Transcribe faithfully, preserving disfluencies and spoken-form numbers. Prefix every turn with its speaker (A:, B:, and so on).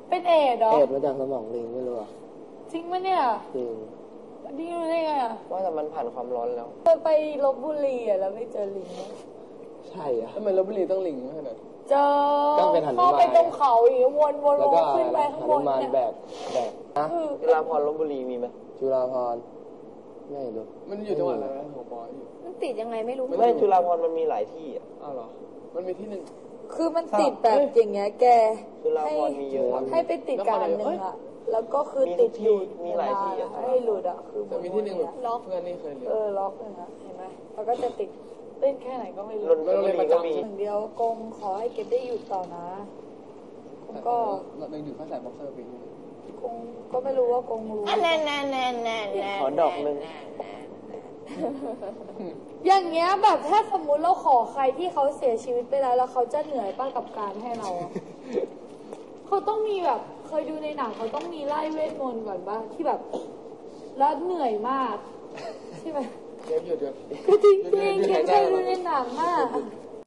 A: เป็นเอดเหรอ
B: เอดมาจากสมองลิงไม่รู้อ่ะ
A: จริงไหมเนี่ย
B: จริง
A: นี่รู้ได้ไงอ่ะ
C: ว่าแต่มันผ่านความร้อนแล้ว
A: เคยไปลพบุรีอ่ะแล้วไม่เจอลิง
B: ใช่อ่ะ
D: ทำไมลพบุรีต้องลิงขนาด
A: เจอเข้าไปตรงเขาอีกวนวนวนขึ้นไปข้างบนเนี่ย
B: แบบแบบ
C: นะจุฬาภรณ์ลพบุรีมีไหม
B: จุฬาภรณ์ไม่รู้
D: มันอยู่จังหวัดอะไรนะหัวปออยู่
A: มันติดยังไงไม่รู้
C: ไม่จุฬาภรณ์มันมีหลายที่อ่ะ
D: อ้าวเหรอมันมีที่หนึ่ง
A: คือมันติดแบบอย่างเงี้ยแก
C: จุฬาภรณ์มีเยอะ
A: ให้ไปติดกันหนึ่งอ่ะแล้วก็คือติดอยู่
C: มีหลายที่อ่ะ
A: ให้หลุดอ่ะคือ
D: แต่มีที่หนึ่งแบบล็อกเพื่อนนี่เคยเรียน
A: เออล็อกเลยนะเห็นไหมแล้วก็จะติดเล่นแค่ไหนก็ไม่รู้
C: ลนบุรีก็มี
A: อย่างเดียวกงขอให้เก็บได้อยู่ต่อนะก็
D: เราเดินอยู่ข้างสายบ็อกเซอร์ปีนี้
A: กงก็ไม่รู้ว่ากงรู้
C: แน่แน่แน่แน่ขอดอกหนึ่ง
A: อย่างเงี้ยแบบถ้าสมมุติเราขอใครที่เขาเสียชีวิตไปแล้วแล้วเขาจะเหนื่อยป้ากับการให้เราเขาต้องมีแบบเคยดูในหนังเขาต้องมีไล่เวทมนต์ก่อนป่ะที่แบบแล้วเหนื่อยมากใช่ไหม
D: เดี๋ยวหยุดเดี๋ยว
A: คือจริงจริงเคยดูในหนังมาก